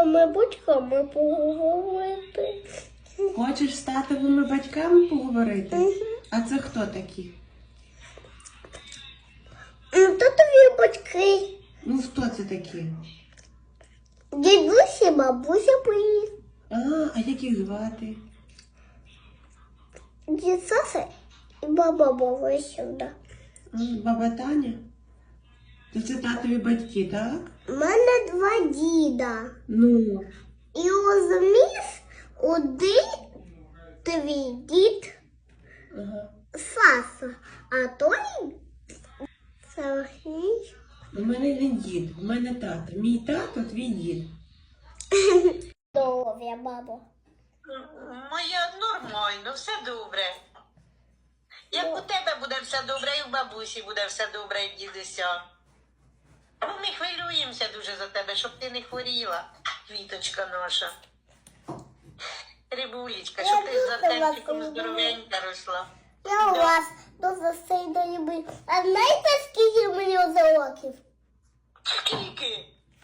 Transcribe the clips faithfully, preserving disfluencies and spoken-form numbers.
татовими батьками поговорити. Хочеш з татовими батьками поговорити? Угу. А це хто такі? Татові батьки. Ну, хто це такі? Дідусь і бабуся приїхали. А, а як їх звати? Дід Саша і баба Бова сюди. М, Баба Таня? То це татові батьки, так? У мене два діда. Ну, І розумієш, один твій дід ага. Саша, а той Сергій. У мене не дід, у мене тато. Мій тато, твій дід. Здоров'я, бабо. Моя нормально, все добре. Як у тебе буде все добре, і у бабусі буде все добре, і в дідуся. Ну, ми хвилюємося дуже за тебе, щоб ти не хворіла, квіточка наша. Рибулечка, щоб ти з Артемчиком здоровенька росла. Я у Да. вас дуже сильно люблю. А знаєте, скільки мені за років? Скільки?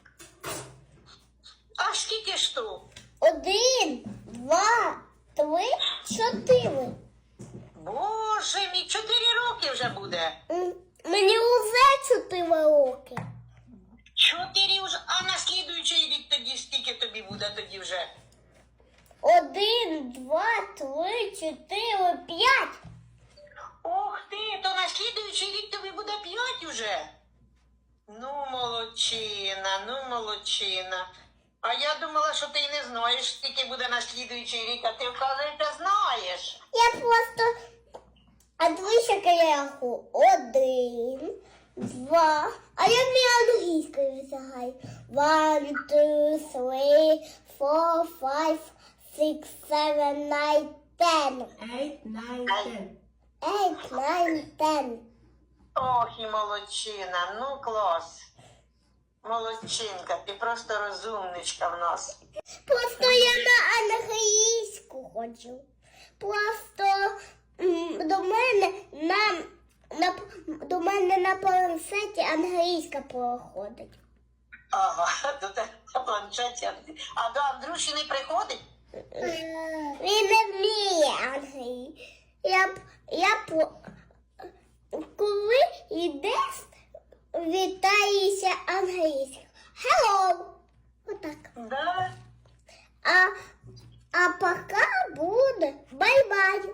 А скільки ж то? Один, два, три, чотири. Боже мій, чотири роки вже буде. М, Мені вже чотири роки. Чотири вже, а на слідуючий рік тоді скільки тобі буде тоді вже? Один, два, три, чотири, п'ять. Ох ти, то на слідуючий рік тобі буде п'ять уже. Ну, молодчина, ну, молодчина. А я думала, що ти й не знаєш, скільки буде на слідуючий рік, а ти, вказується, знаєш. Я просто... А дивись, як я рахую. Один, два. А я не англійською висягаю. One, two, three, four, five, six, seven, nine, ten. Eight, nine, ten. Eight, nine, ten. Ох, і молодчина, ну клас. Молодчинка, ти просто розумничка в нас. Просто я на англійську хочу. Просто м, до мене на, на до мене на планшеті англійська проходить. Ага, до тебе на планшеті. А до Андрюші не приходить? Він не вміє англійську. Я б я б коли йдеш, вітаєшся англійською. Hello. Отак. Да. А, а пока буде бай-бай.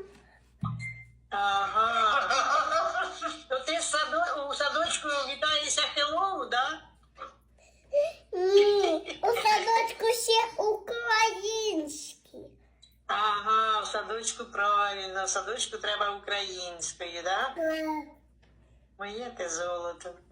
Ага. То ти в саду, у садочку вітаєшся хеллоу, да? Ні, у садочку ще український. Ага, в садочку правильно, в садочку треба українською, да? Е, Моє ти золото.